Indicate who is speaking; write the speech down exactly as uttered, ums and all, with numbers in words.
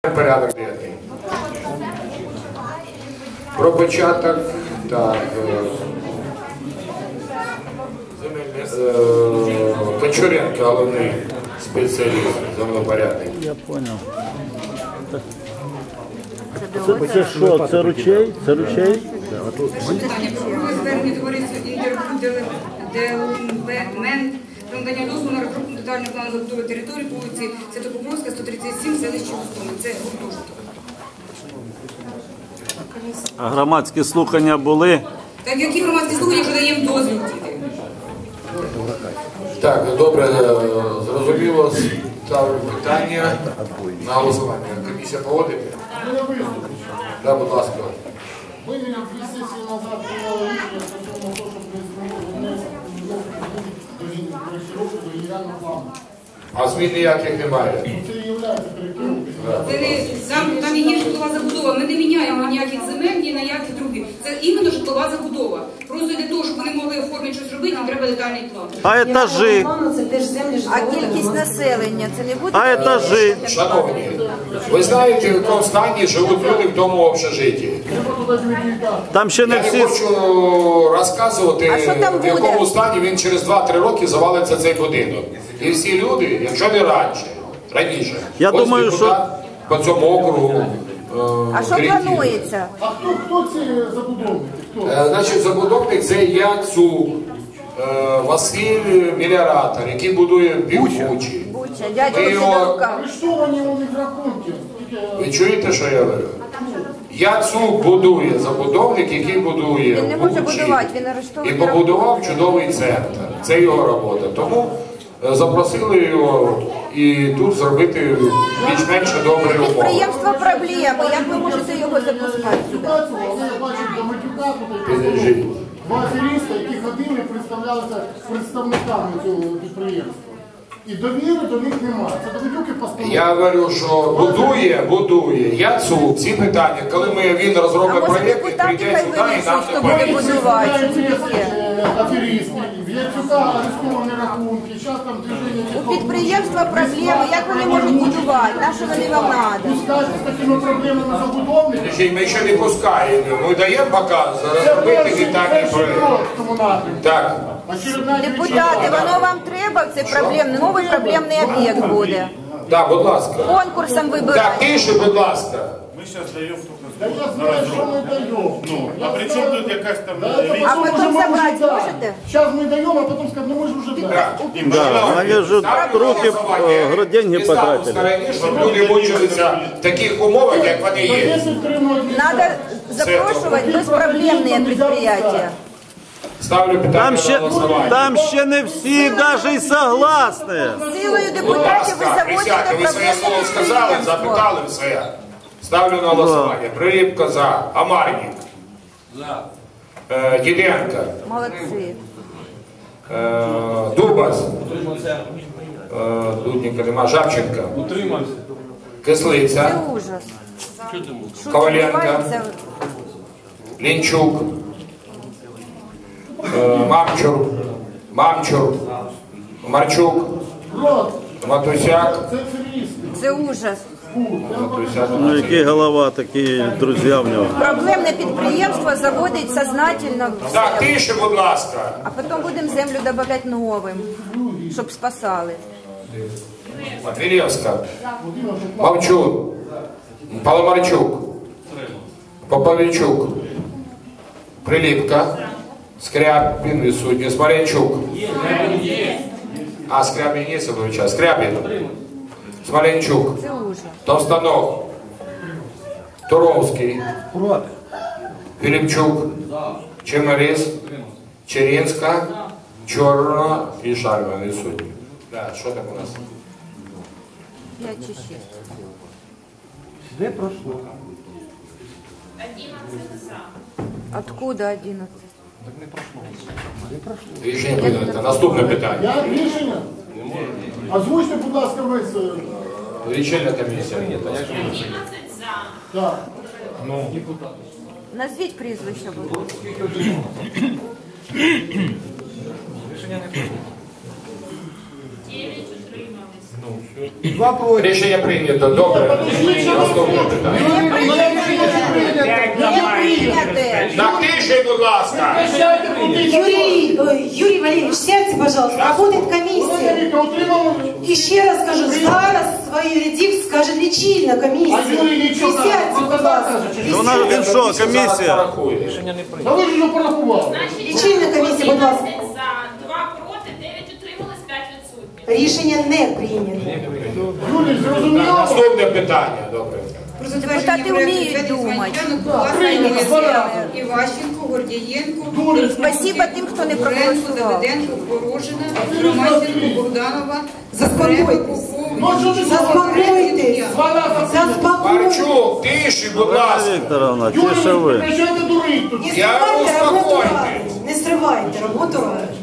Speaker 1: Порядок денний. Про початок, так, Кончуренко, головний спеціаліст, землепорядник.
Speaker 2: Я понял. Це, це що, це ручей? Це ручей?
Speaker 3: Звернення товариства «Інтердевелопмент» про надання дозволу на розробку детального плану забудови території по вулиці Святопокровська, сто тридцять сім, селище Густоми. Це гуртожиток.
Speaker 2: А громадські слухання були?
Speaker 3: Так, які громадські слухання, якщо даємо дозвіл діти?
Speaker 1: Так, добре, зрозуміло, ставлю питання на голосування. Комісія погодить? Так, будь ласка.
Speaker 4: Ми дві сесії назад прийняли рішення стосовно того, щоб не змінити до коректировки до генерального плану.
Speaker 1: А змін ніяких немає?
Speaker 4: Це і є коректировкою.
Speaker 3: Там, там є житлова забудова. Ми не міняємо ніяких земель, ні на яких других. Це іменно житлова забудова. Просто для того, щоб вони могли оформити щось робити, нам треба детальний план.
Speaker 2: А етажі?
Speaker 5: А кількість населення це не буде?
Speaker 2: А етажі?
Speaker 1: Шановні, ви знаєте, в якому стані живуть люди в тому общежитті?
Speaker 2: Там ще не
Speaker 1: Я не
Speaker 2: всі...
Speaker 1: хочу розказувати,
Speaker 5: А що там
Speaker 1: в якому
Speaker 5: буде?
Speaker 1: стані він через два-три роки завалиться цей будинок. І всі люди, якщо не раніше, раніше,
Speaker 2: Я
Speaker 1: ось
Speaker 2: думаю,
Speaker 1: депутат по цьому округу. е,
Speaker 5: А що
Speaker 1: Кредит.
Speaker 5: планується?
Speaker 4: А хто, хто ці забудовники? Хто?
Speaker 1: Е, Значить, забудовник це Яцу е, Василь Меліоратор, який будує Бучі.
Speaker 5: Буча, дядько
Speaker 1: Ви його-
Speaker 5: Сидорука.
Speaker 4: Арештовані у них рахунки.
Speaker 1: Ви чуєте, що я говорю? Яцу будує забудовник, який будує
Speaker 5: Він не може
Speaker 1: Бучі.
Speaker 5: будувати, він арештований.
Speaker 1: І побудував чудовий центр. Це його робота. Тому е, запросили його і тут зробити більш-менш добрі умови.
Speaker 5: Підприємство проблеми. Як ви можете його запускати сюди?
Speaker 4: Ситуацію, але я бачив до матюка тут
Speaker 1: Підождіть.
Speaker 4: два аферіста, які ходили, представлялися представниками цього підприємства. І довіри до них немає. Це довідюки постанови.
Speaker 1: Я говорю, що будує, будує. Яцу всі питання, коли ми він
Speaker 5: А
Speaker 1: розробить
Speaker 5: може
Speaker 1: проєкт, він
Speaker 5: депутати
Speaker 1: прийде
Speaker 5: хай
Speaker 1: сюди і нам
Speaker 5: вирішують, хто
Speaker 1: не
Speaker 5: буде
Speaker 1: повірить.
Speaker 5: будувати? Що це таке?
Speaker 4: Аферісти, в Яцюка арестовані рахунки, зараз там движення...
Speaker 5: У підприємства проблеми. Як вони можуть будувати? На що вони вам треба?
Speaker 4: Пускати з такими проблемами забудовники.
Speaker 1: Подождіть, ми ще не пускаємо. Ми даємо показ, розробити детальний проєкт. Так.
Speaker 5: Депутати, воно вам треба? Це проблемний, новий проблемний об'єкт буде.
Speaker 1: Так, будь ласка.
Speaker 5: Конкурсом
Speaker 1: Так,
Speaker 5: вибирати.
Speaker 1: тише, будь ласка.
Speaker 6: Ми зараз даємо
Speaker 4: Да
Speaker 6: тут
Speaker 4: я знаю, що ми даємо.
Speaker 6: Ну, а при чому тут якась там
Speaker 5: А потім забрати можете?
Speaker 4: Зараз ми даємо, а потім скажемо, ну ми ж вже дали.
Speaker 1: Так.
Speaker 2: Да, вони ж руки, е, деньги потратили.
Speaker 1: Щоб люди мучилися в таких умовах, як вони є.
Speaker 5: Надо запрошувати безпроблемні підприємства.
Speaker 1: Ставлю питання
Speaker 2: Там
Speaker 1: на
Speaker 2: ще,
Speaker 1: голосування.
Speaker 2: там ще не всі навіть і согласні.
Speaker 5: Силою
Speaker 1: Будь
Speaker 5: депутатів ви
Speaker 1: ласка, присядьте,
Speaker 5: заводите
Speaker 1: ви своє слово
Speaker 5: проблемне
Speaker 1: сказали,
Speaker 5: підприємство.
Speaker 1: запитали все. Ставлю на голосування. Приліпка за. Амарник. За. Е, Діденко.
Speaker 5: Молодці.
Speaker 1: Е, Дубас. Е, Дудника нема. Жабченко.
Speaker 6: утримався.
Speaker 1: Кислиця.
Speaker 5: Це ужас. Що
Speaker 1: Коваленко.
Speaker 5: відбувається?
Speaker 1: Лінчук. Е, Мамчур. Мамчур. Марчук. Матусяк.
Speaker 4: Це аферісти.
Speaker 5: Це ужас.
Speaker 1: Матусяк.
Speaker 2: Ну, які голова, такі друзі в нього.
Speaker 5: Проблемне підприємство заводить сознательно
Speaker 1: Так,
Speaker 5: все.
Speaker 1: тише, будь ласка.
Speaker 5: А потім будемо землю додавати новим, щоб спасали.
Speaker 1: Матвілєвська. Мовчун. Паламарчук. Поповичук. Приліпка. Скрябін відсутній. Смоленчук. А, Скрябін є, Садовича. Скрябін. Смоленчук.
Speaker 5: Це ужас.
Speaker 1: Товстанов. Туровський. Філіпчук. Чемерис. Черінська. Чорна і Шарман відсутні. Так, що там у нас?
Speaker 5: п'ять чи шість.
Speaker 7: Де пройшло?
Speaker 5: Откуда одинадцять?
Speaker 7: Так не пройшло. Не пройшло.
Speaker 1: Рішення прийнято. Наступне питання.
Speaker 4: Я рішення? Озвучте, будь ласка, весь.
Speaker 1: Лічильна комісія.
Speaker 4: Так.
Speaker 5: Назвіть прізвище, будь ласка.
Speaker 7: Рішення не пройшло.
Speaker 8: дев'ять утримались.
Speaker 7: Два проти.
Speaker 1: Рішення прийнято. Добре. Наступне питання. На тиші, будь ласка.
Speaker 8: Юрий, ой, Юрий Валерьевич, сядьте, пожалуйста, работает комиссия. Еще раз скажу, зараз свою редикт скажет лічильна комісія.
Speaker 4: А Юрій нічого не
Speaker 8: Сядьте, будь ласка.
Speaker 2: Вона він що, комісія?
Speaker 4: Та ви ж вже порахували.
Speaker 8: Лічильна комісія, будь ласка.
Speaker 9: За, два проти, дев'ять утримались, п'ять відсутніх.
Speaker 8: Рішення не прийнято.
Speaker 4: Юрій, зрозуміло?
Speaker 1: Наступне питання. Добре.
Speaker 3: Про затвердження
Speaker 5: Депутати
Speaker 3: проекту
Speaker 5: вміють
Speaker 3: відведення
Speaker 5: думати.
Speaker 3: земельних ділянок
Speaker 4: Прийнято,
Speaker 3: власної
Speaker 4: два рази.
Speaker 3: Іващенко, Гордієнко,
Speaker 5: Спасибо тим, хто не проголосував.
Speaker 3: Давиденко, Порожина, Ромасенко, Богданова, Заспокойтесь.
Speaker 4: Ну, що ти
Speaker 8: Заспокойтесь. Заспокойтесь.
Speaker 1: Марчук, тиші, будь
Speaker 2: Олена
Speaker 1: ласка.
Speaker 2: Вікторовна, чи
Speaker 4: Юрій,
Speaker 2: що ви?
Speaker 4: ви починаєте дурити тут.
Speaker 8: Не
Speaker 1: Я
Speaker 8: стривайте роботу
Speaker 1: успокойтесь.
Speaker 8: ради. Не стривайте роботу ради.